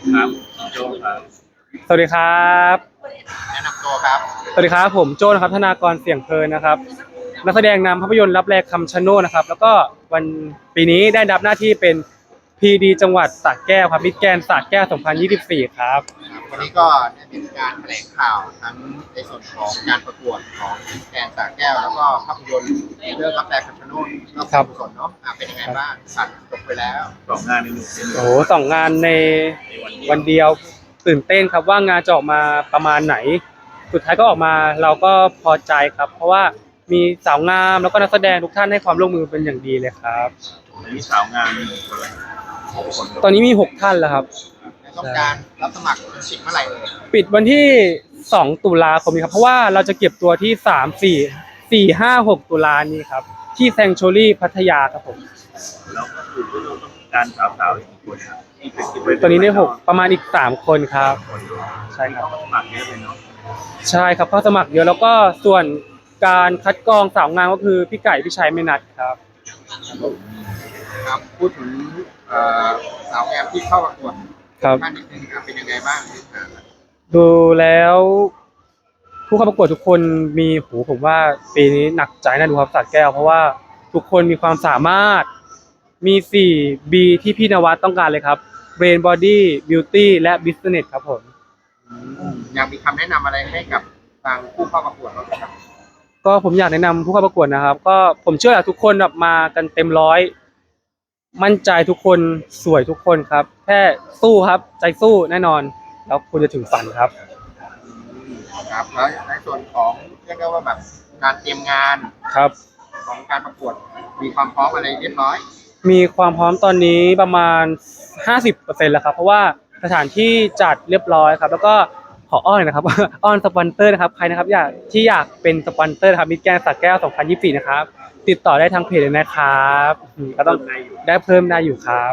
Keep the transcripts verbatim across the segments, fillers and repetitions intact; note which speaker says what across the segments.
Speaker 1: ครับโจครับ
Speaker 2: สวัสดีครับ
Speaker 1: แนะนำตัวครับ
Speaker 2: สวัสดีครับผมโจ้นะครับธนากรเสี่ยงเพลินนะครับนักแสดงนำภาพยนตร์รับแลคำชะโนดนะครับแล้วก็วันปีนี้ได้รับหน้าที่เป็นพีดีจังหวัดสระแก้วครับมิตรแกรนด์สระแก้วสองพันยี่สิบสี่ครับ
Speaker 1: ครับวันนี้ก็ได้มีการแถลงข่าวทั้งในส่วนของการประกวดของแกนสระแก้วแล้วก็ภาพยนตร์เรื่องรับแรงคำชะโนดรอบการกุศลเนาะอ่ะเป็นยังไงบ้างตัดจบไปแล้วสองงานในหนึ่ง
Speaker 2: โอ้โหสองงานในวันเดียวตื่นเต้นครับว่างานจะออกมาประมาณไหนสุดท้ายก็ออกมาเราก็พอใจครับเพราะว่ามีสาวงามแล้วก็นักแสดงทุกท่านให้ความร่วมมือเป็นอย่างดีเลยครับ
Speaker 1: วันนี้สาวงามมีคนละหกคน
Speaker 2: ตอนนี้มีหกท่านแล้วครับ
Speaker 1: ต้องการรับสมัครสิบเมื่อไหร่เลย
Speaker 2: ปิดวันที่สองตุลาคมนี้ครับเพราะว่าเราจะเก็บตัวที่สาม สี่ สี่ ห้า หกตุลานี้ครับที่แซงโชรี่พัทยาครับผม
Speaker 1: แล้วก็คือที่เราต้องการสาวๆอีกคนครับที่เป็น
Speaker 2: ตอนนี้ได้หกประมาณอีกสามคนครับใช่ครับ
Speaker 1: สมัครเยอะเลยเนาะ
Speaker 2: ใช่ครับเข้าสมัครเยอะแล้วก็ส่วนการคัดกรองสาวงามก็คือพี่ไก่พี่ชัยไม่นัดครับ
Speaker 1: ครับพูดถึงสาวงามที่เข้าประกวด
Speaker 2: ครับ
Speaker 1: ท่านนิดนึงครับเป็นยังไงบ้าง
Speaker 2: ดูแล้วผู้เข้าประกวดทุกคนมีหูผมว่าปีนี้หนักใจนะดูครับสระแก้วเพราะว่าทุกคนมีความสามารถมีสี่ B ที่พี่นวัดต้องการเลยครับ Brain Body Beauty และ Business ครับผม
Speaker 1: อยากมีคำแนะนำอะไรให้กับทางผู้เข้าประกวดบ้างครับ
Speaker 2: ก็ผมอยากแนะนำผู้เข้าประกวดนะครับก็ผมเชื่อว่าทุกคนแบบมากันเต็มร้อยมั่นใจทุกคนสวยทุกคนครับแค่สู้ครับใจสู้แน่นอนแล้วคุณจะถึงฝันครับ
Speaker 1: ครับแล้วในส่วนของเรียกได้ว่าแบบการเตรียมงาน
Speaker 2: ครับ
Speaker 1: ของการประกวดมีความพร้อมอะไรเรียบร้อย
Speaker 2: มีความพร้อมตอนนี้ประมาณ ห้าสิบเปอร์เซ็นต์ แล้วครับเพราะว่าสถานที่จัดเรียบร้อยครับแล้วก็ขออ้อนนะครับอ้อนสปอนเซอร์นะครับใครนะครับอยากที่อยากเป็นสปอนเซอร์ครับมิตรแกรนด์สระแก้วสองพันยี่สิบสี่นะครับติดต่อได้ทางเพจเลยนะครับก็ต้องได้เพิ่มได้อยู่ครับ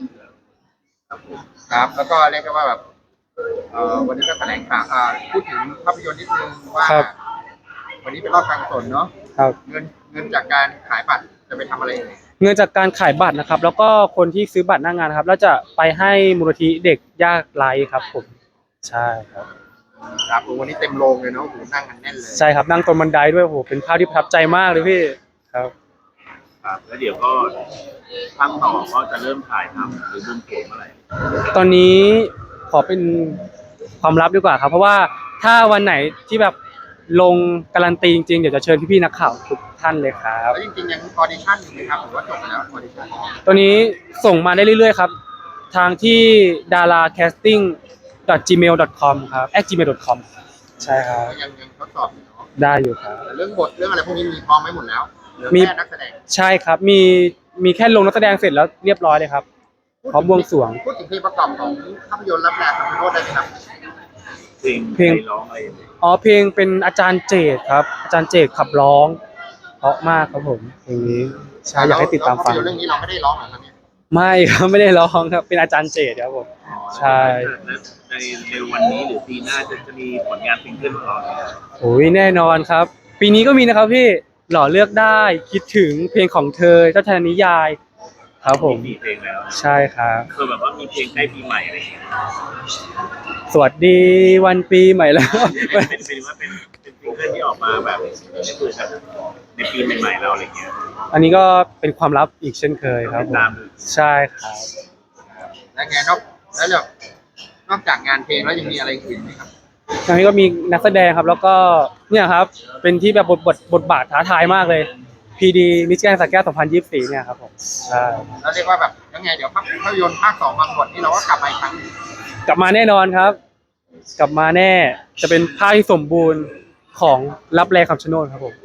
Speaker 1: ครับแล้วก็เรียกได้ว่าแบบเอ่อวันนี้ก็แถลงข่าวอ่าพูดถึงภาพยนตร์นิดนึงว่าวันนี้เป็นรอบการกุศลเนาะเงินเงินจากการขายบัตรจะไปทำอะไร
Speaker 2: เงินจากการขายบัตรนะครับแล้วก็คนที่ซื้อบัตรหน้างานนะครับแล้วจะไปให้มูลนิธิเด็กยากไร้ครับผมใช่ครับ
Speaker 1: ครับวันนี้เต็มโรงเลยเนาะโหนั่งกันแน่นเลย
Speaker 2: ใช่ครับนั่งตรงบันไดด้วยโหเป็นภาพที่ประทับใจมากเลยพี่ครับ
Speaker 1: ครับแล้วเดี๋ยวก็ภาคต่อก็จะเริ่มถ่ายทำหรือบวงสรวงเมื่อไหร่
Speaker 2: ตอนนี้ขอเป็นความลับดีกว่าครับเพราะว่าถ้าวันไหนที่แบบลงการันตีจริงๆเดี๋ยวจะเชิญพี่ๆนักข่าวทุกท่านเลยครับ
Speaker 1: แล้วจริงๆยังออดิชั่นอยู่ไหมครับหรือว่าจบแล้วออดิชั่น
Speaker 2: ตอนนี้ส่งมาได้เรื่อยๆครับทางที่ ดารา แคสติ้ง ดอท จีเมล ดอท คอม ครับ แอท จีเมล ดอท คอม ใช่ครับ
Speaker 1: ยังยังทดสอบอยู่เนาะ
Speaker 2: ได้อยู่ครับ
Speaker 1: เรื่องบทเรื่องอะไรพวกนี้มีพร้อมไหมหมดแล้วมีแค่นักแสดง
Speaker 2: ใช่ครับมีมีแค่ลงนักแสดงเสร็จแล้วเรียบร้อยเลยครับพร้อมบวงสรวง
Speaker 1: พูดถึงเพลงประกอบของภาพยนตร์รับแรงคำชะโนดได้ไหมครับเพลง
Speaker 2: เพลง
Speaker 1: ร้องอะไร
Speaker 2: อ๋อเพลงเป็นอาจารย์เจตครับอาจารย์เจตขับร้องเพราะมากครับผมเพลงนี้ใช่อยากให้ติดตามฟัง
Speaker 1: เรื่องนี้เราไม่ได้ร้องหรอครับเนี่ย
Speaker 2: ไม่ครับไม่ได้ร้องครับเป็นอาจารย์เจตครับผมใช่
Speaker 1: ในในวันนี้หรือปีหน้าจะจะมีผลงานซิงเกิลของเรา
Speaker 2: โอ้ยแน่นอนครับปีนี้ก็มีนะครับพี่หล่อเลือกได้คิดถึงเพลงของเธอเจ้าชายนิยายครับผม
Speaker 1: มีเพลงแล้ว
Speaker 2: ใช่ครับ
Speaker 1: คือแบบว่ามีเพลงใกล้ปีใหม่อะไรอย่างเงี้ย
Speaker 2: สวัสดีวันปีใหม่แล้ว
Speaker 1: เป็นเป็นว่าเป็นเป็นซิงเกิลที่ออกมาแบบนี่คือแบบในปีใหม่ๆเราอะไรเงี้ย
Speaker 2: อันนี้ก็เป็นความลับอีกเช่นเคยครับผมใช่ครับ
Speaker 1: แล้วไงนอกแล้วแบบนอกจากงานเพลงแล้วยังมีอะไรอื่นไหมครับ
Speaker 2: ทางนี้ก็มีนักแสดงครับแล้วก็เนี่ยครับเป็นที่แบบบทบทบทบาทท้าทายมากเลย พี ดี มิสแกรนด์สระแก้วสองพันยี่สิบสี่เนี่ยครับผมใช่
Speaker 1: แล้วเรียกว่าแบบยังไงเดี๋ยวภาพยนตร์ภาคสองบางบทนี่เราก็กลับมาอีกครั้ง
Speaker 2: กลับมาแน่นอนครับกลับมาแน่จะเป็นภาคที่สมบูรณ์ของรับแลคำชะโนดครับผม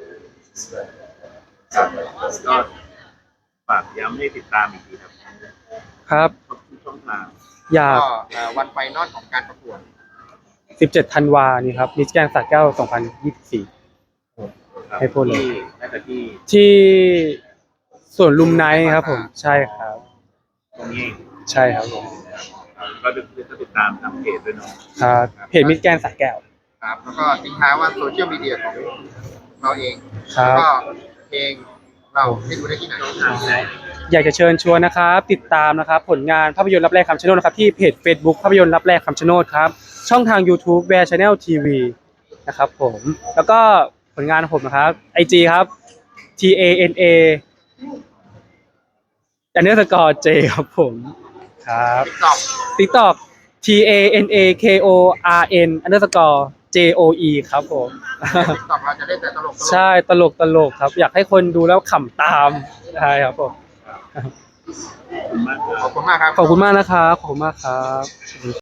Speaker 1: ก็ฝากย้ำให้ติดตามอีกทีครับ
Speaker 2: ครับ
Speaker 1: ทุกช่องทาง
Speaker 2: อยาก
Speaker 1: วันไฟนอลของการประกวด
Speaker 2: สิบเจ็ดธันวานี่ครับมิสแกรนด์สระแก้วสองพันยี่สิบสี่ให้พูดเลย
Speaker 1: ที่
Speaker 2: ที่สวนลุมไนท์ครับผมใช่ครับ
Speaker 1: ตรงนี้
Speaker 2: ใช่ครับผม
Speaker 1: ก็จะติดตามทางเพจด้วยเนาะ
Speaker 2: ครับเพจมิสแกรนด์สระแก้ว
Speaker 1: ครับแล้วก็ทิ้งท้ายว่าโซเชียลมีเดียของเราเอง
Speaker 2: ครับ
Speaker 1: ก็เพลงเราให้ดูได้ที่ไหน
Speaker 2: อยากจะเชิญชวนนะครับติดตามนะครับผลงานภาพยนตร์รับแรกคำชะโนดนะครับที่เพจ Facebook ภาพยนตร์รับแรกคำชะโนดครับช่องทาง YouTube Bear Channel ที วี นะครับผมแล้วก็ผลงานของผมนะครับ ไอ จี ครับ T A N A อันเดอร์สกอร์ J ครับผมครับ
Speaker 1: TikTok
Speaker 2: TikTok T A N A K O R N อันเดอร์สกอร์ J O E ครับผม
Speaker 1: TikTok เราจะเล่นแต่ตลกๆ
Speaker 2: ใช่ตลกตลกครับ อยากให้คนดูแล้วขำตามใช่ครับผม
Speaker 1: ขอบคุณมากครับ
Speaker 2: ขอบคุณมากนะครับขอบคุณมากครับ